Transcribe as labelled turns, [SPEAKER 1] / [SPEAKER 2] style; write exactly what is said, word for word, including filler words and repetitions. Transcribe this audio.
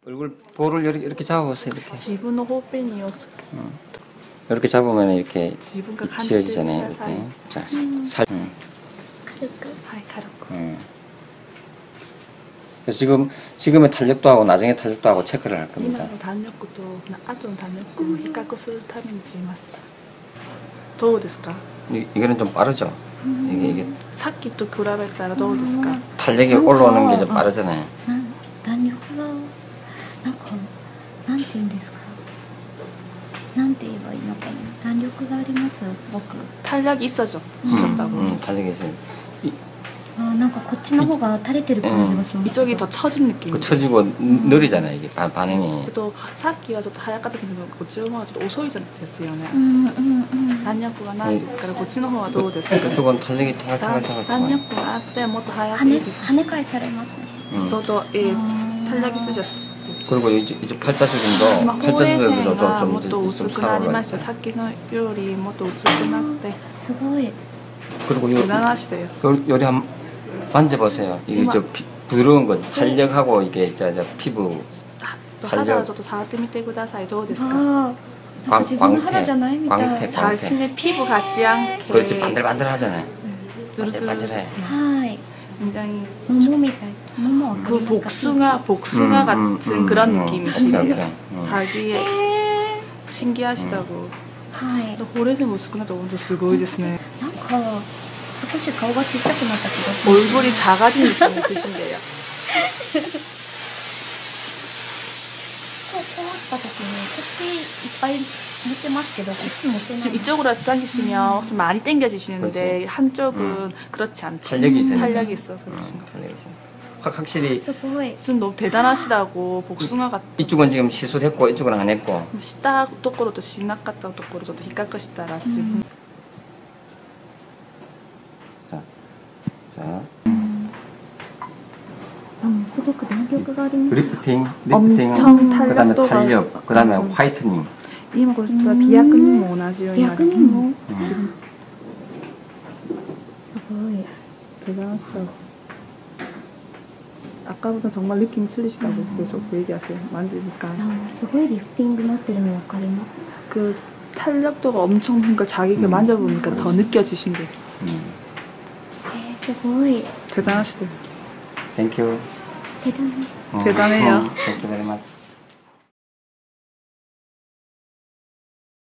[SPEAKER 1] 얼굴 볼을 이렇게, 이렇게 잡아보세요. 이렇게.
[SPEAKER 2] 自分のほっぺにを
[SPEAKER 1] 음. 이렇게 잡으면 이렇게
[SPEAKER 2] 自分が感じてくだ
[SPEAKER 1] 지워지잖아요.
[SPEAKER 2] さい。
[SPEAKER 1] 이렇게. 자, 살. 음.
[SPEAKER 3] 軽く
[SPEAKER 2] はい、軽く。
[SPEAKER 1] 음. 그래서 지금 지금의 탄력도 하고 나중에 탄력도 하고 체크를 할
[SPEAKER 2] 今
[SPEAKER 1] 겁니다.
[SPEAKER 2] の弾力と後の弾力を比較するためにします。どうですか？
[SPEAKER 1] 이, 이거는 좀 빠르죠. 이게 이게
[SPEAKER 2] さっきと比べたらどうですか？
[SPEAKER 1] 탄력이 올라오는 게 좀 빠르잖아요.
[SPEAKER 3] なん弾力がなんかなんて言うんですかなんて言えばいいのかな弾力がありますすごく
[SPEAKER 2] 탄력이 있어져.
[SPEAKER 1] 음,
[SPEAKER 2] 있었다고.
[SPEAKER 1] 음, 탄력이 있어요. 이,
[SPEAKER 3] あなんかこっちの方が垂れてる感じがします
[SPEAKER 2] 이쪽이 더 처진 느낌.
[SPEAKER 1] 그 처지고 음. 느리잖아요. 이게 반, 반응이.
[SPEAKER 2] 또さっきはちょっと早かったけどこっちの方がちょっと遅いじゃないですよね。
[SPEAKER 3] うんうんうん
[SPEAKER 2] 弾力がないですからこっちの方はどうですか？
[SPEAKER 1] 그쪽은 탄력이
[SPEAKER 2] 弾
[SPEAKER 1] 탈탈탈탈.
[SPEAKER 2] 弾力があってもっと早
[SPEAKER 3] 跳ね
[SPEAKER 2] くいいです。
[SPEAKER 3] 跳ね返されますね
[SPEAKER 1] 음.
[SPEAKER 2] 저도 예,
[SPEAKER 3] 아.
[SPEAKER 2] 탄력이 쓰죠.
[SPEAKER 1] 그리고 이제, 이제 팔자주근도
[SPEAKER 2] 今ほうれい線
[SPEAKER 1] 팔자주근도
[SPEAKER 2] が
[SPEAKER 1] 좀,
[SPEAKER 2] もっ
[SPEAKER 1] 좀,
[SPEAKER 2] と
[SPEAKER 1] 좀,
[SPEAKER 2] 薄
[SPEAKER 1] 좀
[SPEAKER 2] くなりました。
[SPEAKER 1] 살아가죠.
[SPEAKER 2] さっきのよりもっと薄くなって
[SPEAKER 3] すごい
[SPEAKER 1] 그리고 요,
[SPEAKER 2] 대단하시대요.
[SPEAKER 1] 요, 요리 한 만져보세요. 이게
[SPEAKER 2] 이마-
[SPEAKER 1] 저 피, 부드러운 거 탄력하고 이게 저, 저 피부
[SPEAKER 2] と肌をちょっと触ってみてください。どうですか？
[SPEAKER 3] ああなんか自分の肌じゃないみたい
[SPEAKER 1] 광택, 광택.
[SPEAKER 2] 자신의 피부 같지 않게
[SPEAKER 1] 그렇지 반들반들하잖아요.
[SPEAKER 2] 즈르즈르했어요.
[SPEAKER 3] はい
[SPEAKER 2] 굉장히
[SPEAKER 3] 桃みたい桃わか
[SPEAKER 2] 그
[SPEAKER 3] りますか
[SPEAKER 2] 복숭아 복숭아
[SPEAKER 1] 음,
[SPEAKER 2] 같은
[SPEAKER 1] 음,
[SPEAKER 2] 그런
[SPEAKER 1] 음,
[SPEAKER 2] 느낌이시래요.
[SPEAKER 1] 오케이, 오케이. 음.
[SPEAKER 2] 자기의
[SPEAKER 3] へ
[SPEAKER 2] 신기하시다고.
[SPEAKER 3] ーはい
[SPEAKER 2] 저 호레생薄くなった本当すごいですね。
[SPEAKER 3] なんか少し顔がちっちゃくなった気がします
[SPEAKER 2] 얼굴이 작아진 느낌이 드신대요.
[SPEAKER 3] こうこうした時にこっちいっぱい持ってますけどこっち持ってない
[SPEAKER 2] 지금 이쪽으로 당기시면 혹시 많이 당겨지시는데
[SPEAKER 1] 그렇지.
[SPEAKER 2] 한쪽은
[SPEAKER 1] 음.
[SPEAKER 2] 그렇지 않대.
[SPEAKER 1] 탄력이 있으니까.
[SPEAKER 2] 탄력이 있어서
[SPEAKER 1] 음,
[SPEAKER 2] 그러신 거.
[SPEAKER 1] 탄력이 있어요. 확, 확실히
[SPEAKER 3] すごい
[SPEAKER 2] 지금 너무 대단하시다고 복숭아 같은.
[SPEAKER 1] 이쪽은 지금 시술했고 이쪽은 안 했고
[SPEAKER 2] したところとしなかったところちょっと比較したら自分
[SPEAKER 1] 자,
[SPEAKER 3] うんすごく弾力があります
[SPEAKER 1] 리프팅,
[SPEAKER 2] 엄청
[SPEAKER 1] 리프팅, 그 다음에
[SPEAKER 2] 탄력도가
[SPEAKER 1] 탄력, 그 다음에
[SPEAKER 2] 엄청.
[SPEAKER 1] 화이트닝.
[SPEAKER 2] 今これしたら美白にも同じようになる。
[SPEAKER 3] 逆にも
[SPEAKER 1] 음.
[SPEAKER 3] すごい
[SPEAKER 2] 대단하시다고. 아까보다 정말 느낌이 틀리시다고 계속 얘기하세요. 만지니까
[SPEAKER 3] あすごいリフティングなってるの分かります
[SPEAKER 2] 그 탄력도가 엄청 그러니까 자기가
[SPEAKER 1] 음.
[SPEAKER 2] 만져보니까 더 느껴지신대.
[SPEAKER 1] 음.
[SPEAKER 3] えー、すごい
[SPEAKER 2] 대단하시대요.
[SPEAKER 1] Thank you.
[SPEAKER 3] 대단해
[SPEAKER 1] 어,
[SPEAKER 2] 대단해요.
[SPEAKER 1] 어, Thank you very much.